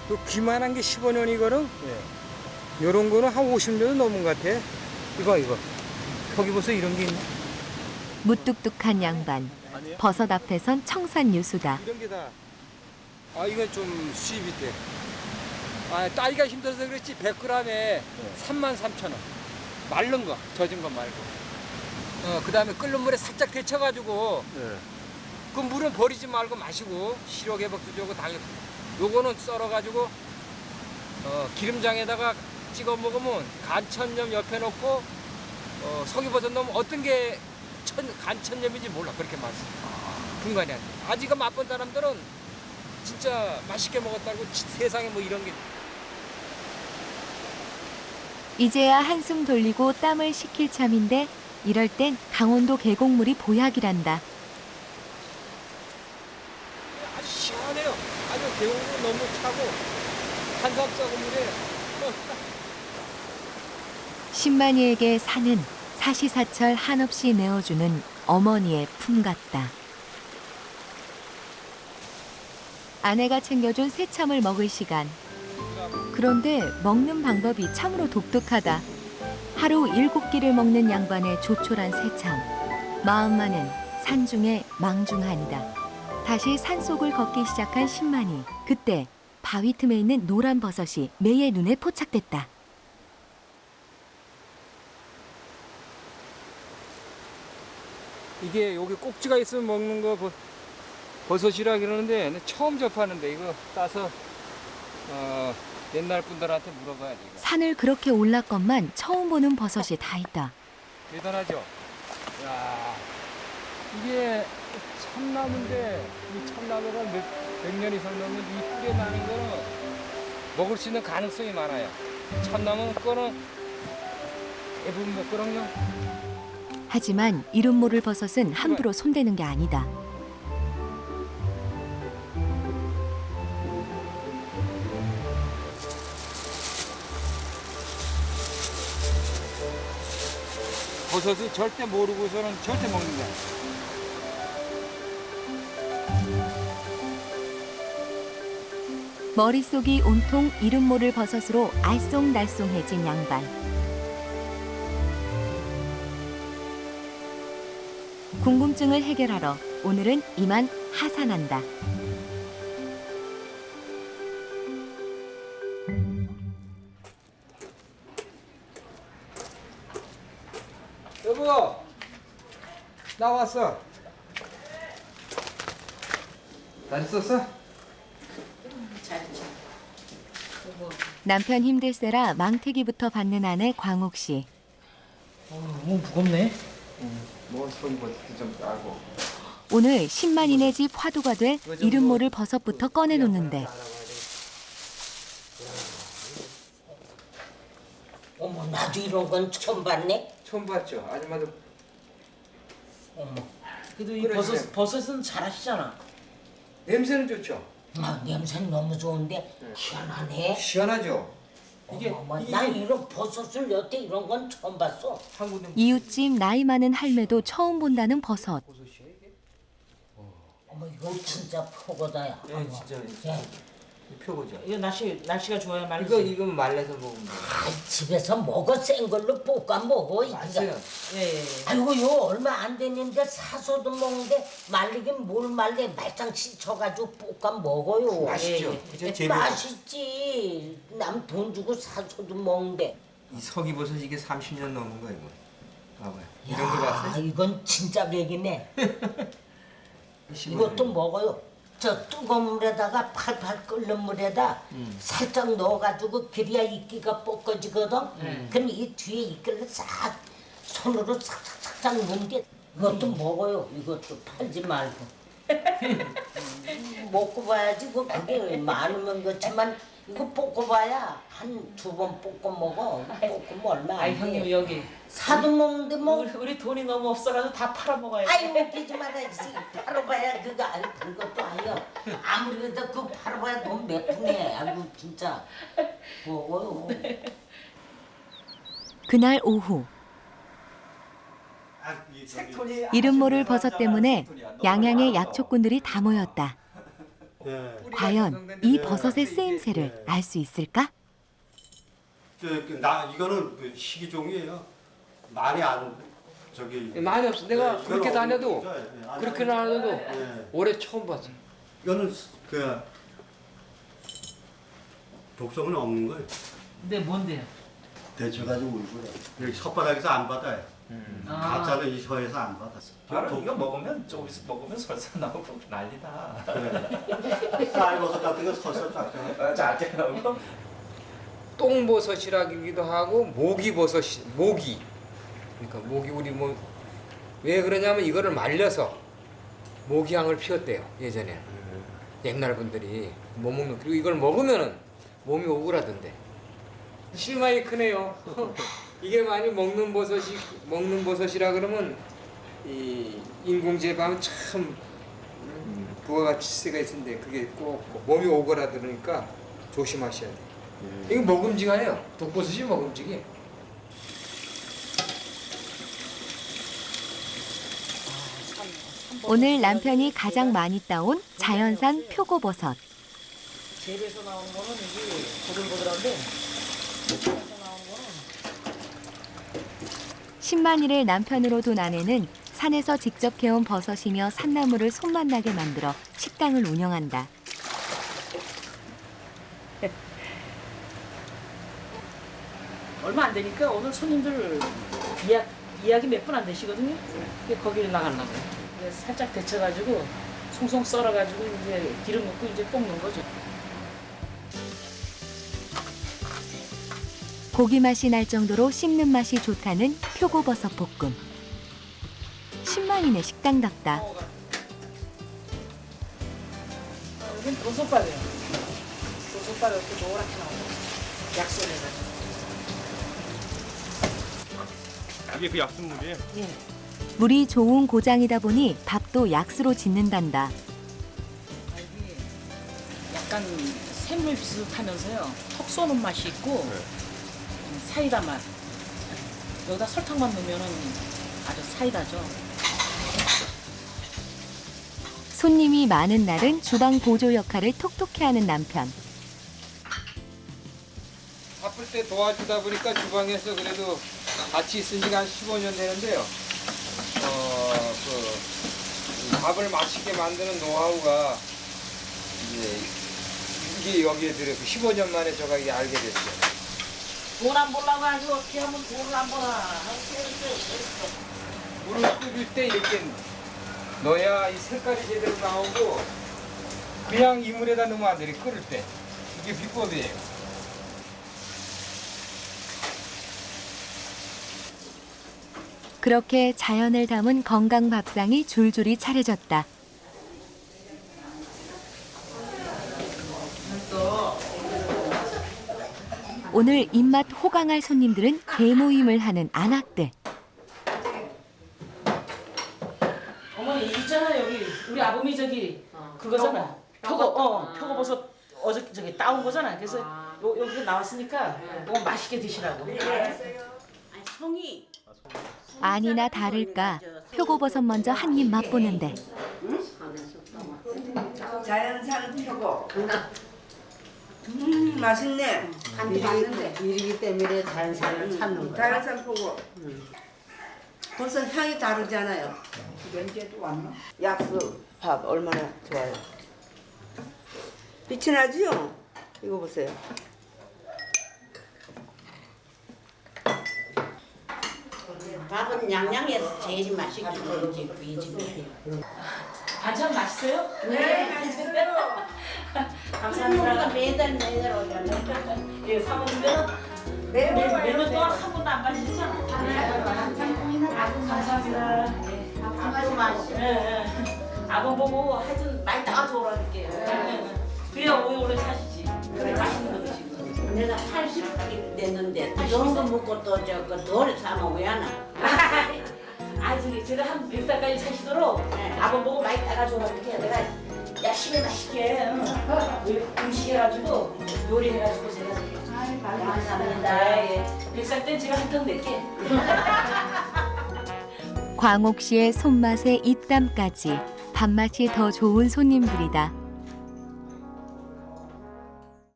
그 귀만한 게 15년이거든. 예. 요런 거는 한 50년도 넘은 것 같아. 이거. 거기 보세요, 이런 게 있네. 무뚝뚝한 양반. 버섯 앞에선 청산유수다. 이런 게 다. 아, 이건 좀 수입이 돼. 아, 따기가 힘들어서 그렇지 100g에 33,000원. 마른 거, 젖은 거 말고. 그다음에 끓는 물에 살짝 데쳐가지고 예. 그 물은 버리지 말고 마시고 시력 회복도 좋고 당뇨. 요거는 썰어가지고 기름장에다가 찍어 먹으면 간천염 옆에 놓고 석유버섯 넣으면 어떤 게 간천염인지 몰라. 그렇게 맛있어. 분간이 안 돼. 아직 맛본 사람들은 진짜 맛있게 먹었다고 세상에 뭐 이런 게. 이제야 한숨 돌리고 땀을 식힐 참인데 이럴 땐 강원도 계곡물이 보약이란다. 아주 시원해요. 아주 계곡은 너무 차고 한삼 썩은 물에. 신만이에게 산은 사시사철 한없이 내어주는 어머니의 품 같다. 아내가 챙겨준 새참을 먹을 시간. 그런데 먹는 방법이 참으로 독특하다. 하루 7끼를 먹는 양반의 조촐한 새참. 마음만은 산중에 망중하니다. 다시 산속을 걷기 시작한 신만이. 그때 바위 틈에 있는 노란 버섯이 매의 눈에 포착됐다. 이게 여기 꼭지가 있으면 먹는 거 버섯이라 그러는데 처음 접하는데 이거 따서 옛날 분들한테 물어봐야지. 이거. 산을 그렇게 올랐건만 처음 보는 버섯이 다 있다. 대단하죠? 야, 이게 참나무인데 이 참나무가 몇 년 이상 넘으면 이 뿌리에 나는 거는 먹을 수 있는 가능성이 많아요. 참나무 거는 대부분 먹거든요. 하지만 이름 모를 버섯은 함부로 손대는 게 아니다. 버섯을 절대 모르고서는 절대 먹는 거야. 머릿속이 온통 이름 모를 버섯으로 알쏭달쏭해진 양반. 궁금증을 해결하러 오늘은 이만 하산한다. 여보, 나 왔어. 잘 있었어? 남편 힘들세라 망태기부터 받는 아내 광옥 씨. 너무 무겁네. 뭐 소리버섯도 좀 따고. 오늘 신만이네 집 화두가 될 이름 모를 버섯부터 꺼내놓는데 어머, 나도 이런 건 처음 봤네. 처음 봤죠? 아줌마도. 어머, 그래도 이 그래, 그래. 버섯은 잘하시잖아. 냄새는 좋죠? 냄새는 너무 좋은데 희한하네. 시원하죠? 이게 난 이런 버섯을 여태 이런 건 처음 봤어. 한국에 이웃집 나이 많은 할매도 처음 본다는 버섯. 어머, 이거 진짜 표고다야. 예, 진짜 예. 표고죠. 이거 날씨가 좋아야 말이지. 이거 말려서 먹으면 돼요. 집에서 먹어 센 걸로 볶아 먹어. 맛있어요. 예. 아이고 요 얼마 안 됐는데 사서도 먹는데 말리긴 뭘 말래 말짱 씻어가지고 볶아 먹어요. 맛있죠. 예. 그죠? 재밌죠. 맛있지. 남 돈 주고 사서도 먹는데. 이 석이버섯 이게 30년 넘은 거예요. 이거. 봐봐요. 이런 거 야, 봤어요? 이건 진짜 백이네. 이것도 먹어요. 저 뜨거운 물에다가 팔팔 끓는 물에다 살짝 넣어가지고 그래야 이끼가 볶아지거든. 그럼 이 뒤에 이끼를 싹 손으로 싹싹싹 넣는데 이것도 먹어요. 이것도 팔지 말고. 먹고 봐야지. 그게 많으면 그렇지만 이거 볶아봐야 한 2번 볶아 먹어. 볶으면 얼마 아이 안 형님 돼. 여기 사도 먹는데 뭐. 우리 돈이 너무 없어가지고 다 팔아먹어야 돼. 아이 웃기지 말아야지. 팔아봐야 그거 그것도 아니야. 아무리 그래도 그거 팔아봐야 돈 몇 푼이야. 아이고 진짜 먹어요. 그날 오후 이름 모를 버섯 때문에 양양의 약초꾼들이 다 모였다. 과연 이 버섯의 쓰임새를 알 수 있을까? 이거는 그 시기종이에요. 많이 안 많이 없어. 내가 네, 그렇게 이거는 다녀도 진짜, 예, 그렇게 다녀도 예. 올해 처음 봤어. 이거는 그 독성은 없는 거예요. 근데 뭔데요? 데쳐가지고 울고요. 여기 혓바닥에서 안 받아요. 가짜는 이 혀에서 안 받았어. 바로 이거 먹으면 조금씩 먹으면 설사 나오고 난리다. 쌀버섯 같은 거 설설 쫙. 짜증 나고. 똥버섯이라기도 하고 모기버섯이 모기. 그러니까 모기 우리 뭐 왜 그러냐면 이거를 말려서 모기향을 피웠대요 예전에. 옛날 분들이 못 먹는 그리고 이걸 먹으면은 몸이 오그라든대. 실망이 크네요. 이게 많이 먹는 버섯이라 그러면 이 인공 재배하면 참 부가가치세가 있는데 그게 꼭 몸이 오그라드니까 조심하셔야 돼. 이거 먹음직해요. 독버섯이 먹음직해. 오늘 남편이 가장 많이 따온 자연산 표고버섯. 재배에서 나오는 거는 이게 보들보들한데 재배에서 나오는 거는 10만일을 남편으로 둔 아내는 산에서 직접 캐온 버섯이며 산나물을 손맛 나게 만들어 식당을 운영한다. 얼마 안 되니까 오늘 손님들 예약이 몇 분 안 되시거든요. 근데 거기를 나가려고. 그래서 살짝 데쳐가지고 송송 썰어가지고 이제 기름 넣고 이제 볶는 거죠. 고기 맛이 날 정도로 씹는 맛이 좋다는 표고버섯 볶음. 10만인의 식당답다. 여긴 도소밥이에요. 도소밥이 이렇게 노랗게 나오고 약소해가지고. 이게 그 약수물이에요? 예. 물이 좋은 고장이다 보니 밥도 약수로 짓는단다. 이게 약간 샘물 비슷하면서요. 턱 쏘는 맛이 있고 사이다 맛. 여기다 설탕만 넣으면 아주 사이다죠. 손님이 많은 날은 주방 보조 역할을 톡톡히 하는 남편. 바쁠 때 도와주다 보니까 주방에서 그래도 같이 있은 지가 한 15년 되는데요. 밥을 맛있게 만드는 노하우가 이게 여기에 들어서 15년 만에 제가 이게 알게 됐어요. 돈 안 벌라고 하지 어떻게 하면 돈을 안 벌어. 물을 끓일 때 이렇게 넣어야 이 색깔이 제대로 나오고 그냥 이 물에다 넣으면 안 돼. 끓일 때. 이게 비법이에요. 그렇게 자연을 담은 건강 밥상이 줄줄이 차려졌다. 오늘 입맛 호강할 손님들은 대모임을 하는 안악대. 어머니 있잖아 여기 우리 아범이 저기 그거잖아. 표고버섯 어저께 저기 따온 거잖아. 그래서 여기 나왔으니까 이거 맛있게 드시라고. 송이 아니나 다를까 표고버섯 먼저 한 입 맛보는데 자연산 표고. 맛있네. 일이기 때문에 자연산을 찾는 거야. 자연산 표고. 벌써 향이 다르잖아요. 면제도 왔나? 약수 밥 얼마나 좋아요. 빛이 나지요? 이거 보세요. 밥은 양양에서 제일 맛있게 먹지 이 집에. 반찬 맛있어요? 네, 맛있어요. 감사합니다. 매달 오잖아요. 예, 사모님들은 매년 동안 한 번도 안 빠지셨잖아. 감사합니다. 아주 맛있어. 아범 보고 하여튼 많이 따가지고 오라니까요. 그래야 오래 사시지. 맛있는 거 드시고. 내가 80이 됐는데 이런 거 먹고 또 저거 돌에 사면 왜 하나? 저기 제가 한 100살까지 사시도록 아범 보고 많이 따가지고 오라니까 내가 열심히 맛있게 음식 해가지고 요리해가지고 제가 감사합니다. 100살 땐 제가 한 턱 낼게. 광옥 씨의 손맛에 입담까지 밥맛이 더 좋은 손님들이다.